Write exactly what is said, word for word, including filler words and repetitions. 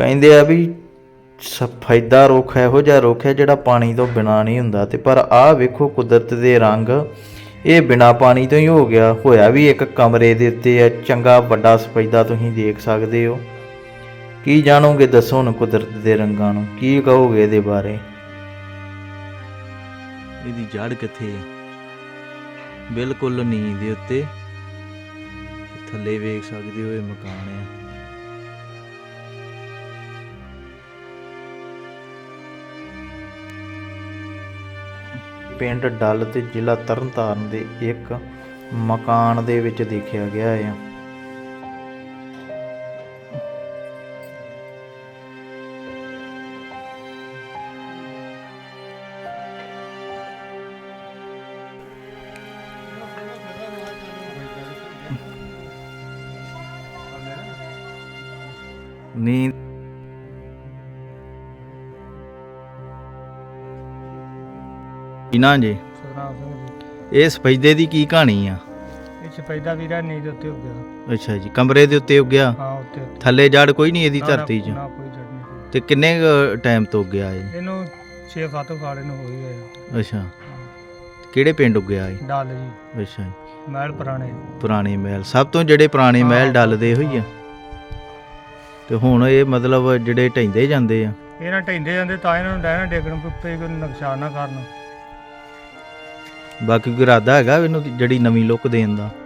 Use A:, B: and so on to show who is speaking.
A: ਕਹਿੰਦੇ ਆ ਵੀ ਸਫੈਦਾ ਰੁੱਖ ਇਹੋ ਜਿਹਾ ਰੁੱਖ ਹੈ ਜਿਹੜਾ ਪਾਣੀ ਤੋਂ ਬਿਨਾਂ ਨਹੀਂ ਹੁੰਦਾ। ਤੇ ਪਰ ਆਹ ਵੇਖੋ ਕੁਦਰਤ ਦੇ ਰੰਗ, ਇਹ ਬਿਨਾਂ ਪਾਣੀ ਤੋਂ ਹੀ ਹੋ ਗਿਆ। ਹੋਇਆ ਵੀ ਇੱਕ ਕਮਰੇ ਦੇ ਉੱਤੇ ਹੈ, ਚੰਗਾ ਵੱਡਾ ਸਫੈਦਾ ਤੁਸੀਂ ਦੇਖ ਸਕਦੇ ਹੋ। ਕੀ ਜਾਣੋਗੇ ਦੱਸੋ ਹੁਣ ਕੁਦਰਤ ਦੇ ਰੰਗਾਂ ਨੂੰ, ਕੀ ਕਹੋਗੇ ਇਹਦੇ ਬਾਰੇ? ਇਹਦੀ ਜੜ ਕਿੱਥੇ ਹੈ? ਬਿਲਕੁਲ ਨੀਂਹ ਦੇ ਉੱਤੇ, ਥੱਲੇ ਵੇਖ ਸਕਦੇ ਹੋ ਇਹ ਮਕਾਨ ਹੈ। ਪਿੰਡ ਡੱਲ ਤੇ ਜ਼ਿਲ੍ਹਾ ਤਰਨਤਾਰਨ ਦੇ ਇੱਕ ਮਕਾਨ ਦੇ ਵਿੱਚ ਦੇਖਿਆ ਗਿਆ ਹੈ। ਨੀਂਦ ਨਾ ਜੀ
B: ਸਤਨਾਮ ਸਿੰਘ ਜੀ।
A: ਇਹ ਸਫੈਦੇ ਦੀ ਕੀ ਕਹਾਣੀ ਆ?
B: ਇਹ ਸਫੈਦਾ ਵੀਰਾ ਨੀਂਦ ਉੱਤੇ ਹੋ ਗਿਆ।
A: ਅੱਛਾ ਜੀ, ਕਮਰੇ ਦੇ ਉੱਤੇ ਉੱਗਿਆ?
B: ਹਾਂ ਉੱਤੇ ਉੱਤੇ।
A: ਥੱਲੇ ਜੜ ਕੋਈ ਨਹੀਂ ਇਹਦੀ
B: ਨਾ,
A: ਧਰਤੀ 'ਚ?
B: ਨਾ ਕੋਈ ਜੜ ਨਹੀਂ।
A: ਤੇ ਕਿੰਨੇ ਟਾਈਮ ਤੋਂ ਉੱਗਿਆ ਇਹ?
B: ਇਹਨੂੰ ਛੇ ਸੱਤ ਫਾੜੇ ਨੂੰ ਹੋ ਹੀ ਗਏ।
A: ਅੱਛਾ, ਕਿਹੜੇ ਪਿੰਡ ਉੱਗਿਆ ਇਹ?
B: ਡੱਲ ਜੀ।
A: ਅੱਛਾ ਜੀ,
B: ਮਹਿਲ ਪੁਰਾਣੇ।
A: ਪੁਰਾਣੇ ਮਹਿਲ, ਸਭ ਤੋਂ ਜਿਹੜੇ ਪੁਰਾਣੇ ਮਹਿਲ ਡੱਲ ਦੇ ਹੋਈ ਆ। ਤੇ ਹੁਣ ਇਹ ਮਤਲਬ ਜਿਹੜੇ ਢਹਿੰਦੇ ਜਾਂਦੇ ਆ?
B: ਇਹਨਾਂ ਢਹਿੰਦੇ ਜਾਂਦੇ ਤਾਂ ਇਹਨਾਂ ਨੂੰ ਡੈਣਾ ਡੇਗਣ ਪੇ ਕੋਈ ਨੁਕਸਾਨ ਨਾ ਕਰਨ।
A: ਬਾਕੀ ਕੋਈ ਇਰਾਦਾ ਹੈਗਾ ਇਹਨੂੰ ਜਿਹੜੀ ਨਵੀਂ ਲੁੱਕ ਦੇਣ ਦਾ?